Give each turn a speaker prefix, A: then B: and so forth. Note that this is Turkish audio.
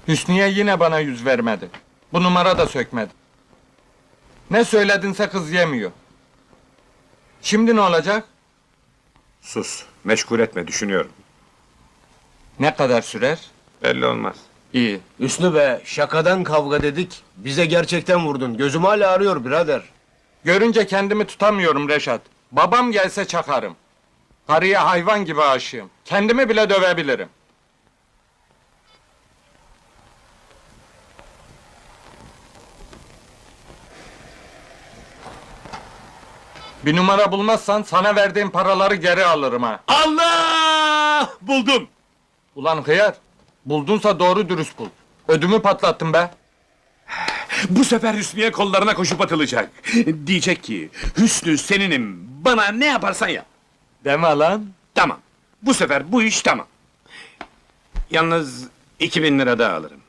A: Hüsniye yine bana yüz vermedi. Bu numara da sökmedi. Ne söyledinse kız yemiyor. Şimdi ne olacak?
B: Sus, meşgul etme, düşünüyorum.
A: Ne kadar sürer?
B: Belli olmaz.
A: İyi.
C: Hüsnü be, şakadan kavga dedik. Bize gerçekten vurdun. Gözüm hala ağrıyor birader.
A: Görünce kendimi tutamıyorum Reşat. Babam gelse çakarım. Karıya hayvan gibi aşığım. Kendimi bile dövebilirim. Bir numara bulmazsan sana verdiğim paraları geri alırım ha.
B: Allah! Buldum!
A: Ulan hıyar, buldunsa doğru dürüst bul. Ödümü patlattın be.
D: Bu sefer Hüsnü'ye kollarına koşup atılacak. Diyecek ki, Hüsnü seninim, bana ne yaparsan yap.
A: Deme lan.
D: Tamam, bu sefer bu iş tamam.
B: Yalnız 2000 lira daha alırım.